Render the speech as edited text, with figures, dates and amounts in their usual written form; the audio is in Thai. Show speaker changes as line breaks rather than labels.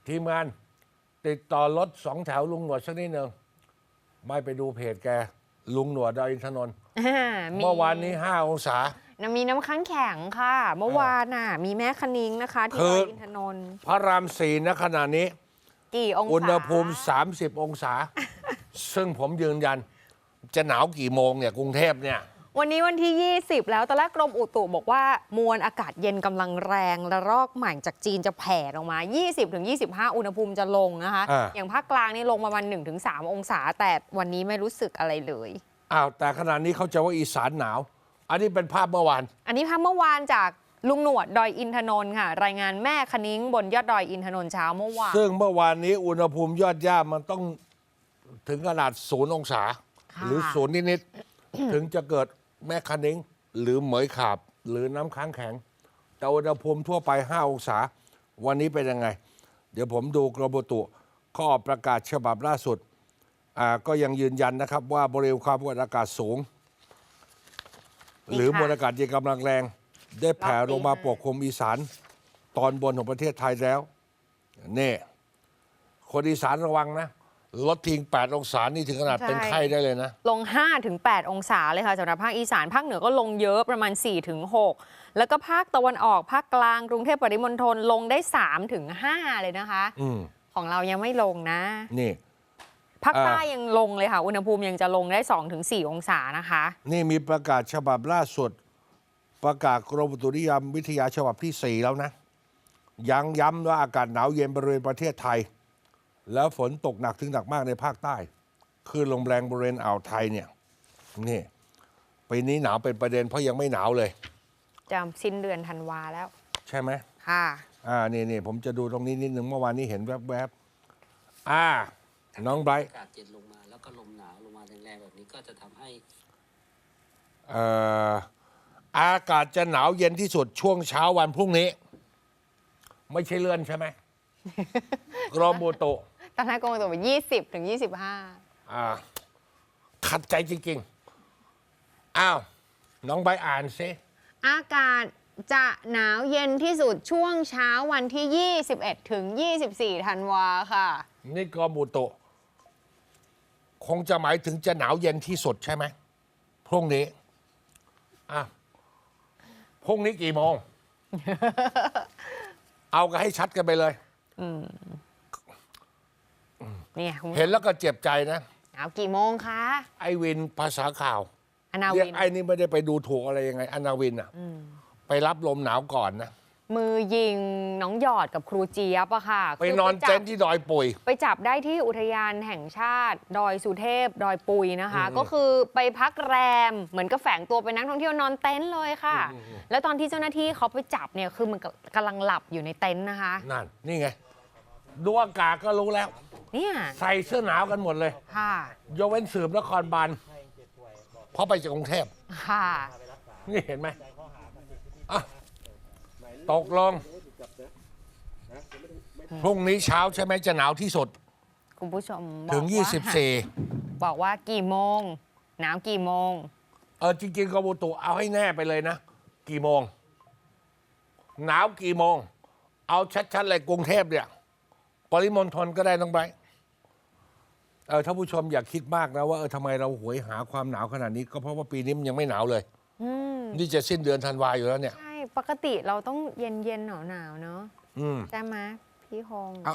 ทีมงานติดต่อรถ2 แถวลุงหนวดสักนิดหนึ่งไม่ไปดูเพจแกลุงหนวดดอยอินทนนท์เมื่อวานนี้5 องศา
มีน้ำค้างแข็งค่ะ เมื่อวานมีแม่คณิ้งนะคะที่ดอยอินทนนท์
พระราม 4ณขณะนี้
กี่องศา
อุณหภูมิ30 องศา ซึ่งผมยืนยันจะหนาวกี่โมงเนี่ยกรุงเทพเนี่ย
วันนี้วันที่ 20 แล้วตอนแรกกรมอุตุบอกว่ามวลอากาศเย็นกำลังแรงและรอกใหม่จากจีนจะแผ่ลงมา 20-25 อุณหภูมิจะลงนะคะอย่างภาคกลางนี่ลงประมาณ 1-3 องศาแต่วันนี้ไม่รู้สึกอะไรเลย
แต่ขณะนี้เขาจะว่าอีสานหนาวอันนี้เป็นภาพเมื่อวาน
อันนี้ภาพเมื่อวานจากลุงหนวดดอยอินทนนท์ค่ะรายงานแม่คณิ้งบนยอดดอยอินทนนท์เช้าเมื่อวาน
ซึ่งเมื่อวานนี้อุณหภูมิยอดย่ามันต้องถึงขนาด0 องศาหรือ0นิดๆถึงจะเกิดแม่คณิ้งหรือเหมยขาบหรือน้ำค้างแข็งแต่อุณหภูมิทั่วไป5 องศาวันนี้เป็นยังไงเดี๋ยวผมดูกรมอุตุข้อประกาศฉบับล่าสุดก็ยังยืนยันนะครับว่าบริเวณความกดอากาศสูงหรือมวลอากาศเย็นกำลังแรงได้แผ่ลงมาปกคลุมอีสานตอนบนของประเทศไทยแล้วนี่คนอีสานระวังนะลดทิ้ง8 องศานี่ถึงขนาดเป็นไข้ได้เลยนะ
ลง 5-8 องศาเลยค่ะสำหรับภาคอีสานภาคเหนือก็ลงเยอะประมาณ 4-6 แล้วก็ภาคตะวันออกภาคกลางกรุงเทพปริมณฑลลงได้ 3-5 เลยนะคะของเรายังไม่ลงนะ
นี่
ภาคใต้ยังลงเลยค่ะอุณหภูมิยังจะลงได้ 2-4 องศานะคะ
นี่มีประกาศฉบับล่าสุดประกาศกรมอุตุนิยมวิทยาฉบับที่ 4 แล้วนะยังย้ำว่าอากาศหนาวเย็นบริเวณประเทศไทยแล้วฝนตกหนักถึงหนักมากในภาคใต้คลื่นลมแรงบริเวณอ่าวไทยเนี่ยนี่ปีนี้หนาวเป็นประเด็นเพราะยังไม่หนาวเลย
จะสิ้นเดือนธันวาแล้ว
ใช่ไหม
ค่ะ
นี่ผมจะดูตรงนี้นิดนึงเมื่อวานนี้เห็นแวบน้องไบรท์
อากาศเย็นลงมาแล้วก็ลมหนาวลงมาแรงๆแบบนี้ก็จะทำให้
อากาศจะหนาวเย็นที่สุดช่วงเช้าวันพรุ่งนี้ไม่ใช่เลื่อนใช่ไหม กรมอุตุ
ตอนแรกกรมอุตุบอก20-25
ขัดใจจริงๆน้องใบอ่านซิ
อากาศจะหนาวเย็นที่สุดช่วงเช้าวันที่ 21-24 ธันวาค่ะ
นี่กรมอุตุคงจะหมายถึงจะหนาวเย็นที่สุดใช่ไหมพรุ่งนี้พรุ่งนี้กี่โมง เอากันให้ชัดกันไปเลย
เนี่ย
เห็นแล้วก็เจ็บใจนะ
หนาวกี่โมงคะ
ไอวินภาษาข่าว
อนาวิน
เรียกไอ้นี่ไม่ได้ไปดูถูกอะไรยังไงอนาวินไปรับลมหนาวก่อนนะ
มือยิงน้องหยอดกับครูเจี๊ยบอะค่ะ
ไปนอนเต็นท์ที่ดอยปุย
ไปจับได้ที่อุทยานแห่งชาติดอยสุเทพดอยปุยนะคะก็คือไปพักแรมเหมือนกับแฝงตัวเป็นนักท่องเที่ยวนอนเต็นท์เลยค่ะแล้วตอนที่เจ้าหน้าที่เขาไปจับเนี่ยคือมันกำลังหลับอยู่ในเต็นท์นะคะ
นั่นนี่ไงดูอากาศก็รู้แล้ว
เนี่ย
ใส่เสื้อหนาวกันหมดเลย
ค่ะ
ยกเว้นสืบนครบาลเพราะไปจากกรุงเทพ
ค่ะ
นี่เห็นไหมตกลงพรุ่งนี้เช้าใช่ไหมจะหนาวที่สุด
คุณผู้ชม
ถึง24
บอกว่ากี่โมงหนาวกี่โมง
จริงๆกรมอุตุเอาให้แน่ไปเลยนะกี่โมงหนาวกี่โมงเอาชัดๆเลยกรุงเทพเนี่ยปริมณฑลก็ได้น้องไบรท์ท่านผู้ชมอย่าคิดมากนะว่าทำไมเราหวยหาความหนาวขนาดนี้ก็เพราะว่าปีนี้มันยังไม่หนาวเลยนี่จะสิ้นเดือนธันวาอยู่แล้วเนี่ย
ใช่ปกติเราต้องเย็นๆหนาวๆเนาะใช่ไหมพี่ฮง